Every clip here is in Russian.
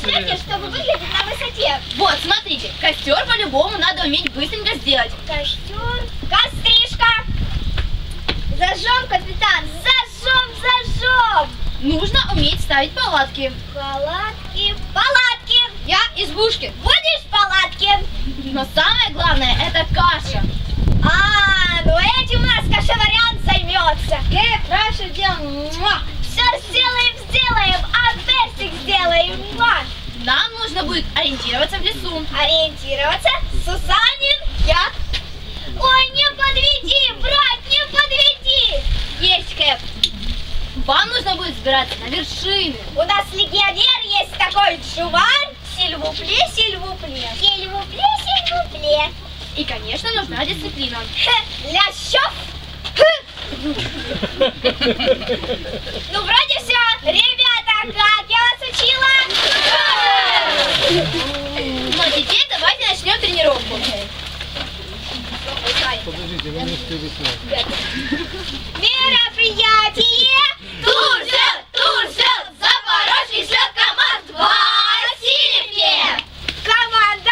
Представьте, чтобы выглядеть на высоте. Вот, смотрите, костер по-любому надо уметь быстренько сделать. Костер. Костришка. Зажжем, капитан. Зажжем. Нужно уметь ставить палатки. Палатки. Я избушки. Будешь в палатке? Но самое главное это каша. Ну этим у нас кашеварян займется. Хорошо делаем. Все сделаем, а персик сделаем. Нам нужно будет ориентироваться в лесу. Ориентироваться. Сусанин. Я. Ой, не подведи, брат, не подведи. Есть, Кэп. Вам нужно будет взбираться на вершины. У нас легионер есть такой Джувар. Сильвупле. И, конечно, нужна дисциплина. Лящов. Ну, вроде все. Ребята, как я вас учила? Ну, а теперь давайте начнем тренировку. Подождите, вы не успели снять. Мероприятие. Турсел, Запорожье шлет команд Васильевке. Команда.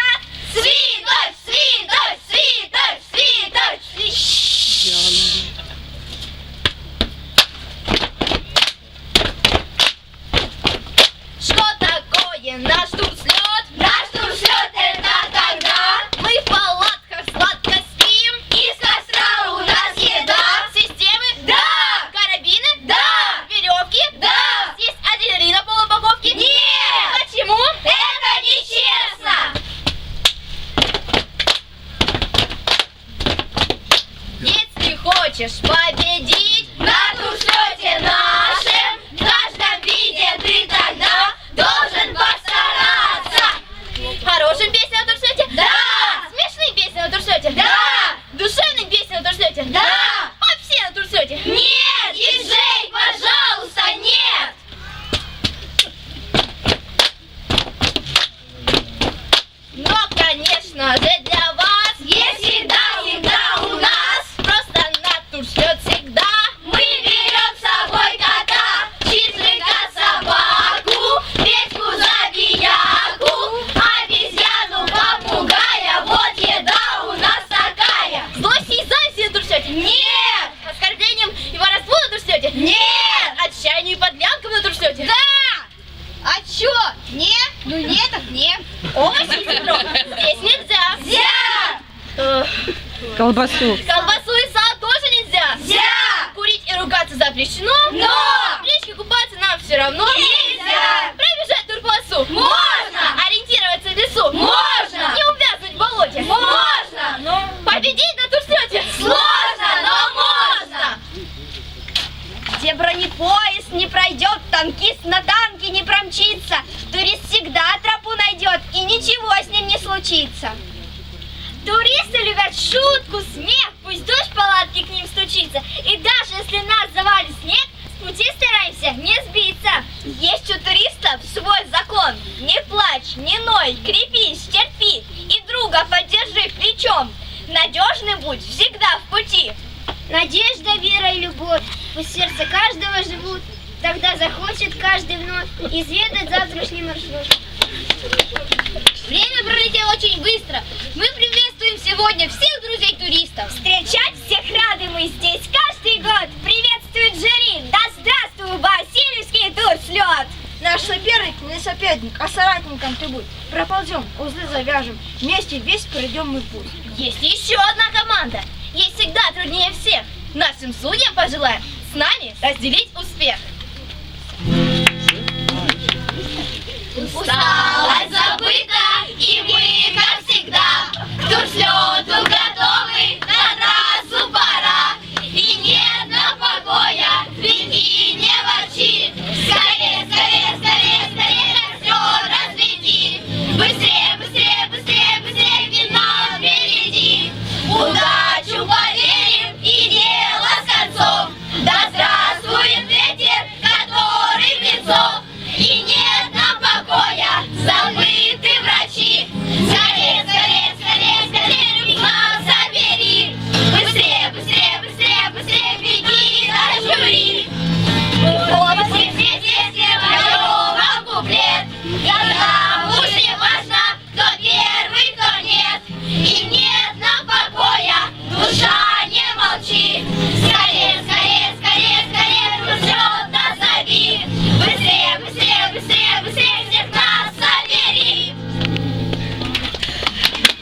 Что такое наш турслет? Наш турслет это когда мы в палатках сладко спим. Из костра у нас еда. Системы? Да. Карабины? Да. Веревки? Да. Есть адреналин на полупаковке? Нет. Почему? Это нечестно. Если хочешь победить на турслете нашем, в каждом виде ты тогда должен постараться. Хорошим песня на турслете? Да. Смешные песни на турслете? Да. Душевные песни на турслете? Да. Попсе на турслете? Нет. Диджей, пожалуйста, нет. Но, конечно же, для вас есть всегда у нас. Просто на турслет всегда мы берем с собой кота, чижика, собаку, печку, забияку, обезьяну, попугая. Вот еда у нас такая. Злость и зависть на турслете? Нет. Оскорблением и воровству на турслете? Нет. Отчаянию и подлянкам на турслете? Да. А чё? Нет? Ну нет, так нет. Овощи и зерно здесь нельзя. Нельзя. Колбасу. Колбасу и сало тоже нельзя. Нельзя. Курить и ругаться запрещено. Но в речке купаться нам все равно. Нельзя. Пробежать турполосу. Можно. Ориентироваться в лесу. Можно. Не увязнуть в болоте. Можно. Победить на турслете. Сложно, но можно. Где бронепоезд не пройдет, танкист на танке не промчится. Турист всегда тропу найдет, и ничего с ним не случится. Туристы любят шутку, смех, пусть дождь в палатке к ним стучится. И даже если нас завалит снег, с пути стараемся не сбиться. Есть у туристов свой закон. Не плачь, не ной, крепись, терпи. И друга поддержи плечом. Надежный будь всегда в пути. Надежда, вера и любовь в сердце каждого живут. Тогда захочет каждый вновь изведать завтрашний маршрут. Время пролетело очень быстро. Мы приветствуем сегодня всех друзей-туристов. Встречать всех рады мы здесь каждый год. Приветствует жюри. Да здравствуй, Васильевский турслет. Наш соперник не соперник, а соратником ты будь. Проползем, узлы завяжем, вместе весь пройдем мы путь. Есть еще одна команда. Ей всегда труднее всех. Нашим судьям пожелаем с нами разделить успех. Усталость забыта, и мы, как всегда, к турслету